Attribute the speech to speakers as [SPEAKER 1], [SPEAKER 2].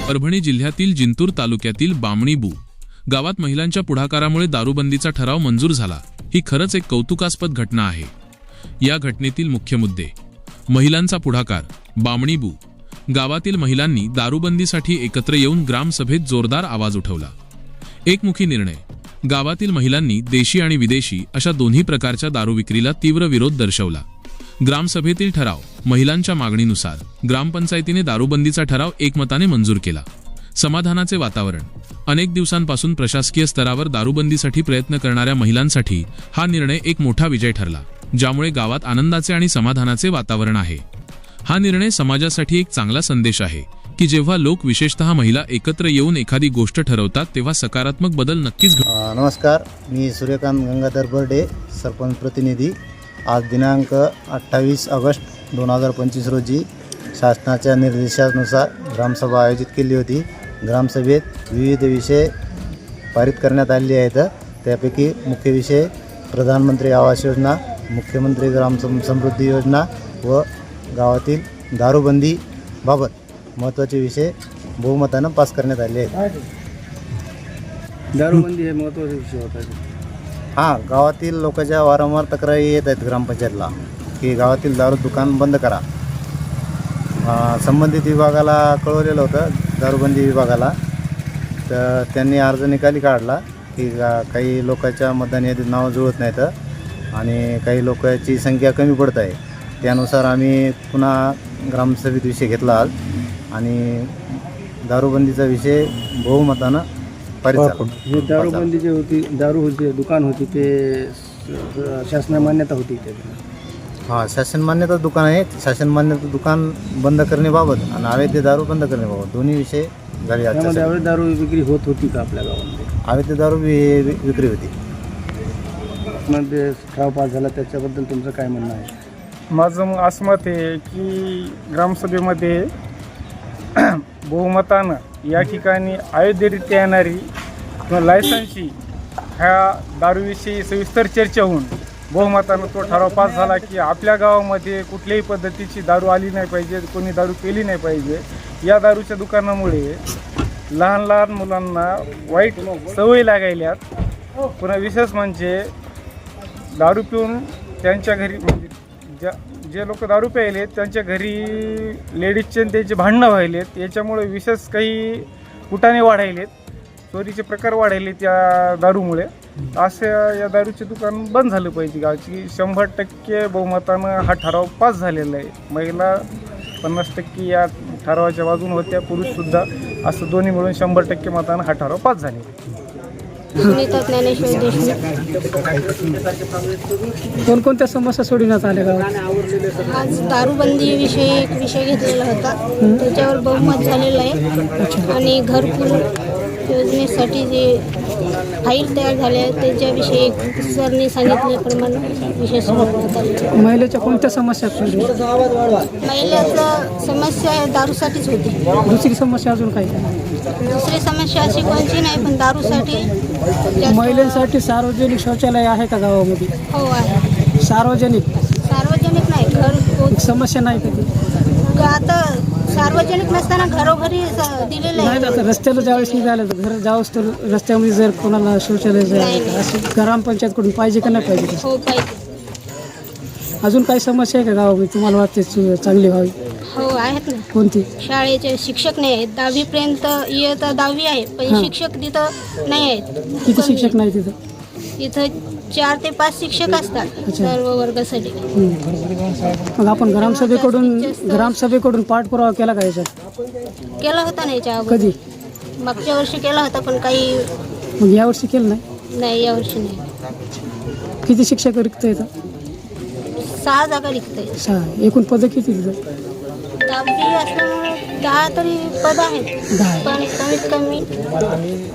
[SPEAKER 1] परभणी जिल्ह्यातील जिंतूर तालुक्यातील बामणीबू गावात महिलांच्या पुढाकारामुळे दारूबंदीचा ठराव मंजूर झाला। ही खरंच एक कौतुकास्पद घटना आहे। या घटनेतील मुख्य मुद्दे: महिलांचा पुढाकार। बामणीबू गावातील महिलांनी दारूबंदीसाठी एकत्र येऊन ग्रामसभेत जोरदार आवाज उठवला। एकमुखी निर्णय। गावातील महिलांनी देशी आणि विदेशी अशा दोन्ही प्रकारच्या दारू विक्रीला तीव्र विरोध दर्शवला। ग्रामसभेतील ठराव। महिलांच्या मागणीनुसार ग्रामपंचायतीने दारूबंदीचा ठराव एकमताने मंजूर केला। समाधानाचे वातावरण। अनेक दिवसांपासून प्रशासकीय स्तरावर दारूबंदीसाठी प्रयत्न करणाऱ्या महिलांसाठी हा निर्णय एक मोठा विजय ठरला, ज्यामुळे गावात आनंदाचे आणि समाधानाचे वातावरण आहे। हा निर्णय समाजासाठी एक चांगला संदेश आहे की जेव्हा लोक, विशेषतः महिला, एकत्र येऊन एखादी गोष्ट ठरवतात तेव्हा सकारात्मक बदल नक्कीच घडतो।
[SPEAKER 2] नमस्कार, मी सूर्यकांत गंगाधर बर्डे, सरपंच प्रतिनिधी। आज दिनांक 28 ऑगस्ट 2025 रोजी शासनाच्या निर्देशानुसार ग्रामसभा आयोजित केली होती। ग्रामसभेत विविध विषय पारित करण्यात आले आहेत। त्यापैकी मुख्य विषय प्रधानमंत्री आवास योजना, मुख्यमंत्री ग्राम समृद्धी योजना व गावातील दारूबंदीबाबत महत्त्वाचे विषय बहुमतानं पास करण्यात आले आहेत।
[SPEAKER 3] दारूबंदी हे महत्त्वाचा विषय होता।
[SPEAKER 2] हां, गावातील लोकांच्या वारंवार तक्रारी येत आहेत ग्रामपंचायतला की गावातील दारू दुकान बंद करा। संबंधित विभागाला कळवलेलं होतं, दारूबंदी विभागाला, तर त्यांनी अर्ज निकाली काढला की काही लोकांच्या मतदान यादीत नावं जुळत नाहीत आणि काही लोकांची संख्या कमी पडत आहे। त्यानुसार आम्ही पुन्हा ग्रामसभेत विषय घेतला आज आणि दारूबंदीचा विषय बहुमतानं पारित झाला।
[SPEAKER 3] हे दारूबंदी जे होती, दारू होती, दुकान होती, ते शासन मान्यता होती त्याची?
[SPEAKER 2] हां, शासन मान्यता दुकान आहे। शासन मान्यता दुकान बंद करण्याबाबत आणि अवैध दारू बंद करण्याबाबत दोन्ही विषय झाले।
[SPEAKER 3] त्यामध्ये अवैध दारू विक्री होत होती का आपल्या गावामध्ये?
[SPEAKER 2] अवैध दारू विक्री होती।
[SPEAKER 3] मध्ये ठराव पास झाला, त्याच्याबद्दल तुमचं काय म्हणणं आहे?
[SPEAKER 4] माझं असं मत आहे की ग्रामसभेमध्ये बहुमतानं या ठिकाणी अयोध्येरित्या येणारी किंवा लायसन्सची ह्या दारूविषयी सविस्तर चर्चा होऊन बहुमतानं तो ठराव पास झाला की आपल्या गावामध्ये कुठल्याही पद्धतीची दारू आली नाही पाहिजे, कोणी दारू पेली नाही पाहिजे। या दारूच्या दुकानामुळे लहान लहान मुलांना वाईट सवयी लागायल्यात। पुन्हा विशेष म्हणजे दारू पिऊन त्यांच्या घरी, म्हणजे जे लोक दारू प्यायलेत त्यांच्या घरी लेडीजचे त्यांचे भांडणं व्हायलेत। याच्यामुळे विशेष काही कुटाणे वाढायलेत, चोरीचे प्रकार वाढायले त्या दारूमुळे। असे या दारूचे दुकान बंद झालं पाहिजे गावची। 100% बहुमतानं हा ठराव पास झालेला आहे। महिला 50% या ठरावाच्या बाजूने होत्या, पुरुषसुद्धा, असं दोन्ही मिळून 100% मतानं हा ठराव पास झालेला आहे।
[SPEAKER 5] सुनीता ज्ञानेश्वर देशमुख।
[SPEAKER 3] कोणकोणत्या समस्या सोडविण्यात आल्या गावात?
[SPEAKER 5] आज दारूबंदीविषयी एक विषय घेतलेला होता, त्याच्यावर बहुमत झालेलं आहे। आणि घरकुल योजनेसाठी जे फाईल तयार झाल्या त्याच्याविषयी एक सरने सांगितल्याप्रमाणे विषय सोडवण्यात आले।
[SPEAKER 3] महिलेच्या कोणत्या समस्या सोडविल्या?
[SPEAKER 5] महिलाचं समस्या दारूसाठीच होती।
[SPEAKER 3] दुसरी समस्या अजून काही?
[SPEAKER 5] दुसरी समस्या अशी कोणती नाही, पण दारूसाठी
[SPEAKER 3] महिलांसाठी सार्वजनिक शौचालय आहे का गावामध्ये?
[SPEAKER 5] हो आहे।
[SPEAKER 3] सार्वजनिक
[SPEAKER 5] नाही, घर
[SPEAKER 3] समस्या नाही कधी?
[SPEAKER 5] आता सार्वजनिक नसताना घरोघरी दिलेलं आहे।
[SPEAKER 3] आता रस्त्याला ज्यावेळेस निघालं तर घर जावंच तर रस्त्यामध्ये जर कोणाला शौचालय असं ग्रामपंचायतकडून पाहिजे का नाही पाहिजे?
[SPEAKER 5] हो, पाहिजे।
[SPEAKER 3] अजून काही समस्या आहे का गावामध्ये तुम्हाला वाटते चांगली व्हावी?
[SPEAKER 5] हो, आहेत ना।
[SPEAKER 3] कोणती?
[SPEAKER 5] शाळेचे शिक्षक नाही आहेत। 10वी पर्यंत इयत्ता 10वी आहे, पण शिक्षक तिथं नाही आहेत।
[SPEAKER 3] किती शिक्षक नाही तिथं?
[SPEAKER 5] तिथं 4 ते 5 शिक्षक असतात सर्व वर्गासाठी।
[SPEAKER 3] मग आपण ग्रामसभेकडून पाठपुरावा केला का याच्यात?
[SPEAKER 5] केला होता ना याच्या अगोदर?
[SPEAKER 3] कधी?
[SPEAKER 5] मागच्या वर्षी केला होता, पण काही
[SPEAKER 3] मग यावर्षी केलं
[SPEAKER 5] नाही। यावर्षी नाही।
[SPEAKER 3] किती शिक्षक रिक्त येतं?
[SPEAKER 5] 6 जागा रिक्त आहेत।
[SPEAKER 3] 6? एकूण पदं किती तिथं?
[SPEAKER 5] 10वी असल्यामुळे 10 तरी पद आहेत, पण कमीत कमी